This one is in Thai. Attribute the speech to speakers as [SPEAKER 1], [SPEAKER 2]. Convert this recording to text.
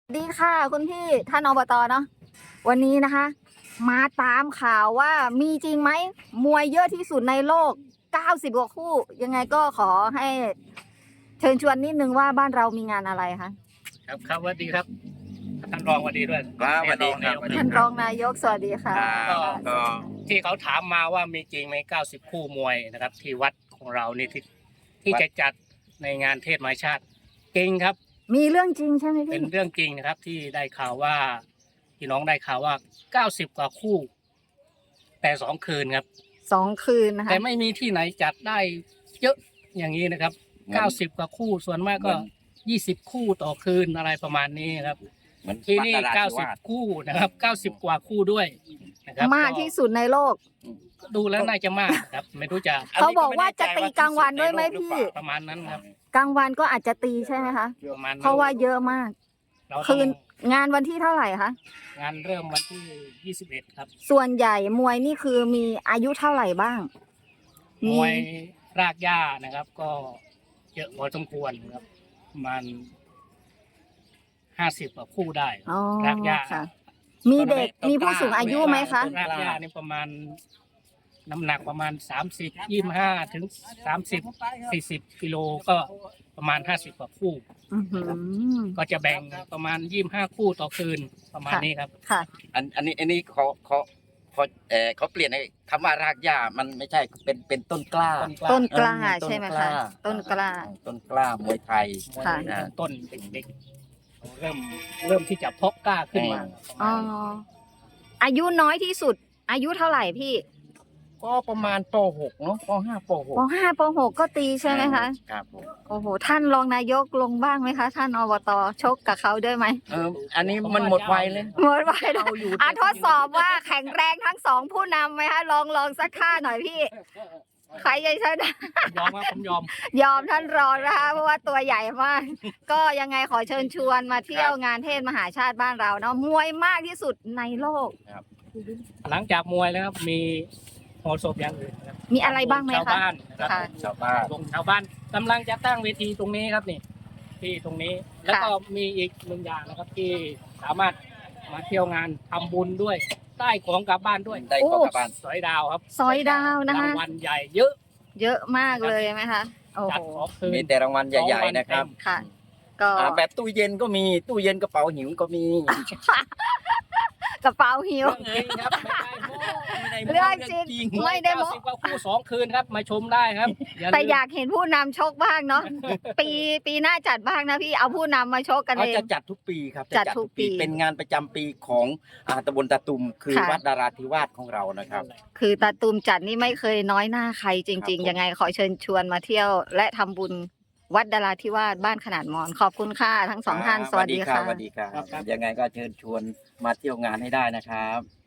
[SPEAKER 1] ดีค่ะคุณพี่ท่านอบตเนาะวันนี้นะคะ มาตามข่าวว่ามีจริงไหมมวยเยอะที่สุดในโลก90กว่าคู่ยังไงก็ขอให้เชิญชวนนิดนึงว่าบ้านเรามีงานอะไรคะ
[SPEAKER 2] ครับสวัสดีครับท่านรองสวัสดีด้วย
[SPEAKER 3] ครับสวัสดีครับ
[SPEAKER 1] ท่านรองนายกสวัสดีค่ะ
[SPEAKER 2] ก็ที่เขาถามมาว่ามีจริงไหม90คู่มวยนะครับ ที่วัดของเรานี่ที่จะจัดในงานเทศมหาชาติจริงครับ
[SPEAKER 1] มีเรื่องจริงใช่ไหม
[SPEAKER 2] เป็
[SPEAKER 1] พี่
[SPEAKER 2] นเรื่องจริงนะครับ ที่ได้ข่าวว่าพี่น้องได้ข่าวว่า90กว่าคู่ แต่2คืนครับ
[SPEAKER 1] 2 คืนนะคะ
[SPEAKER 2] แต่ไม่มีที่ไหนจัดได้เยอะอย่างนี้นะครับ90กว่าคู่ส่วนมากก็20คู่ต่อคืนอะไรประมาณนี้ครับ
[SPEAKER 3] เหมือน
[SPEAKER 2] ที่นี่
[SPEAKER 3] วัดนราธิวาส
[SPEAKER 2] 90คู่นะครับ90กว่าคู่ด้วยนะครับ
[SPEAKER 1] มากที่สุดในโลก
[SPEAKER 2] ดูแล้วน่าจะมากครับ ไม่รู้จะ
[SPEAKER 1] เขาบอกว่าจะตีกลางวันด้วยไหมพี่
[SPEAKER 2] ประมาณนั้นครับ
[SPEAKER 1] กลางวันก็อาจจะตีใช่ไหมคะ
[SPEAKER 2] ประมาณนั้น
[SPEAKER 1] เพราะว่าเยอะมาก
[SPEAKER 2] เราต้อง
[SPEAKER 1] คืนงานวันที่เท่าไหร่คะ
[SPEAKER 2] งานเริ่มวันที่21ครับ
[SPEAKER 1] ส่วนใหญ่มวยนี่คือมีอายุเท่าไหร่บ้าง
[SPEAKER 2] มวยรากหญ้านะครับ ก็เยอะพอสมควรครับประมาณ50กว่าคู่ได้
[SPEAKER 1] อ๋อ
[SPEAKER 2] รากหญ้า
[SPEAKER 1] ค่ะ มีเด็กมีผู้สูงอายุไหมคะ
[SPEAKER 2] รากหญ้านี่ประมาณน้ำหนักประมาณ30 25ถึง30 40กิโลก็ประมาณ50กว่าคู่
[SPEAKER 1] อื้อหือ
[SPEAKER 2] ก็จะแบ่งประมาณ25คู่ต่อคืนประมาณนี้ครับ
[SPEAKER 1] ค่ะ
[SPEAKER 3] อันนี้เขาเปลี่ยนคำว่ารากหญ้ามันไม่ใช่เป็นต้นกล้า
[SPEAKER 1] ต้นกล้า
[SPEAKER 3] ต้น
[SPEAKER 1] ใช่ไหม
[SPEAKER 3] ก
[SPEAKER 1] คะ
[SPEAKER 3] ล้า
[SPEAKER 1] ต้นกล้า
[SPEAKER 3] ต้นกล้ามวยไทย
[SPEAKER 1] ค่ะ
[SPEAKER 2] ต้นเด็กๆเริ่มที่จะเพาะกล้าขึ้นมา
[SPEAKER 1] อ๋อ อายุน้อยที่สุด อายุเท่าไหร่พี่
[SPEAKER 3] ก็ประมาณป .6 เนาะป .5 ป
[SPEAKER 1] ป .5 ป .6 ก็ตีใช่ไหมคะ
[SPEAKER 3] ครับผม
[SPEAKER 1] โอ้โห ท่านรองนายกลงบ้างไหมคะ ท่านอบตชกกับเขาด้วยไหม
[SPEAKER 3] อันนี้มันหมดไวเลย
[SPEAKER 1] หมดไปแล้ว
[SPEAKER 3] เอาอยู่
[SPEAKER 1] ทดสอบว่าแข็งแรงทั้งสองผู้นำไหมคะลองสักท่าหน่อยพี่ ใครจะชนะ
[SPEAKER 2] ยอมครับผมยอม
[SPEAKER 1] ยอมท่านรองนะคะเพราะว่าตัวใหญ่มาก ก็ยังไงขอเชิญชวนมาเที่ยวงานเทศมหาชาติบ้านเราเนาะมวยมากที่สุดในโลก
[SPEAKER 2] หลังจากมวยแล้วครับมีโหศพอย่างอื่นครับ
[SPEAKER 1] มีอะไรบ้างไหม
[SPEAKER 2] ชาว
[SPEAKER 1] คะ
[SPEAKER 2] บ้านนะครับ
[SPEAKER 1] ค่ะ
[SPEAKER 3] ชาวบ้าน
[SPEAKER 2] วงชาวบ้านกำลังจะตั้งเวทีตรงนี้ครับนี่ที่ตรงนี้ แล้วก็มีอีกหนึ่งอย่างนะครับที่สามารถมาเที่ยวงานทำบุญด้วยได้ของกลับบ้านด้วย
[SPEAKER 3] ได้ของกลับบ้าน
[SPEAKER 2] สอยดาวครับ
[SPEAKER 1] ซอยดาวนะคะ
[SPEAKER 2] รางวัลใหญ่เยอะ
[SPEAKER 1] เยอะมากเลยไหมคะ โอ้
[SPEAKER 2] จัด
[SPEAKER 1] โห
[SPEAKER 2] ของคืน
[SPEAKER 3] มีแต่รางวัลใหญ่ๆนะครับ
[SPEAKER 1] ค่ะ ก็
[SPEAKER 3] แบบตู้เย็นก็มีตู้เย็นกระเป๋าหิวก็มี
[SPEAKER 1] กระเป๋าหิว
[SPEAKER 2] เรื่องจริงครับไม่ได้โม้
[SPEAKER 1] เรื่องจริง ไม่ได้โม้
[SPEAKER 2] 90กว่าคู่2คืนครับมาชมได้ครับลืม
[SPEAKER 1] แต่อยากเห็นผู้นำชกบ้างเนาะ ปีหน้าจัดบ้างนะพี่ เอาผู้นำมาชกกัน
[SPEAKER 3] เขา
[SPEAKER 1] เอง
[SPEAKER 3] จะจัดทุกปีครับ
[SPEAKER 1] จัดทุกปี
[SPEAKER 3] เป็นงานประจำปีของตำบลตาตุมคือ
[SPEAKER 1] ค่ะ
[SPEAKER 3] วัดดาราธิวาสของเรานะครับ
[SPEAKER 1] คือตาตูมจัดนี่ไม่เคยน้อยหน้าใครจริง
[SPEAKER 3] ครับผม
[SPEAKER 1] ๆ ยังไงขอเชิญชวนมาเที่ยว และทำบุญวัดดาราธิวาสบ้านขนาดมอน ขอบคุณค่ะทั้งสองท่าน สวัสดีค่ะ
[SPEAKER 3] สวัสดีครับยังไงก็เชิญชวนมาเที่ยวงานให้ได้นะครับ